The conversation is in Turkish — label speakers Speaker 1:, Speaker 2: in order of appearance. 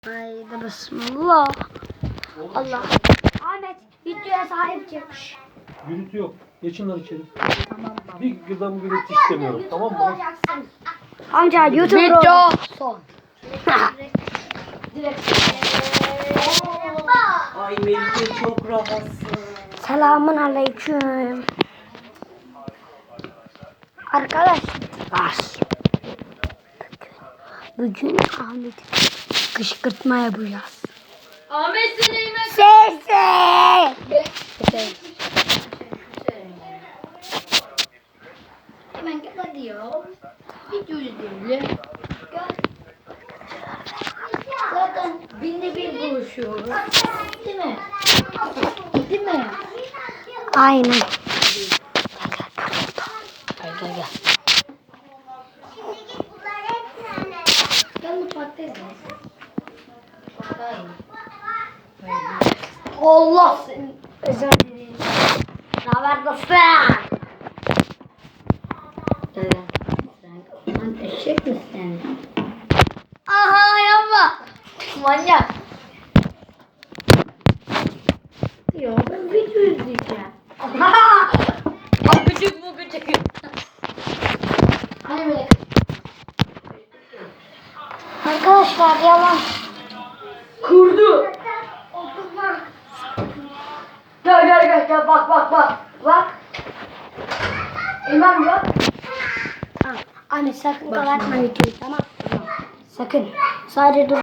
Speaker 1: Haydi bismillah. Allah. Ahmet videoya sahip çıkmış.
Speaker 2: Gürültü yok. Geçin lan içeri.
Speaker 1: Tamam.
Speaker 2: Bir gıdam gürültü istemiyorum. Tamam mı?
Speaker 1: Amca YouTube
Speaker 3: Video
Speaker 1: son.
Speaker 3: Ay Melike çok rahatsın.
Speaker 1: Selamun aleyküm. Arkadaşlar. Bugün Ahmet'i kışkırtma yapacağız.
Speaker 3: Ahmet seni yemek.
Speaker 1: Sesi.
Speaker 3: Hemen gel hadi ya. Video izleyelim. Gel. Zaten binde bir buluşuyoruz. Değil mi? Değil mi?
Speaker 1: Aynen.
Speaker 3: Gel. Gel mutfaktayız. Mutfaktayım. Allah seni.
Speaker 1: Özür dilerim. Ne haber dostum?
Speaker 3: Sen eşek misin?
Speaker 1: Aha yapma.
Speaker 3: Manyak. Ya ben video izleyeceğim. Küçük bu küçük. Hani böyle.
Speaker 1: Arkadaşlar yalan.
Speaker 3: Kurdu. Gel bak. İmam yok.
Speaker 1: Tamam. Ahmet sakın kapatma videoyu, tamam. Sakın. Sadece dur.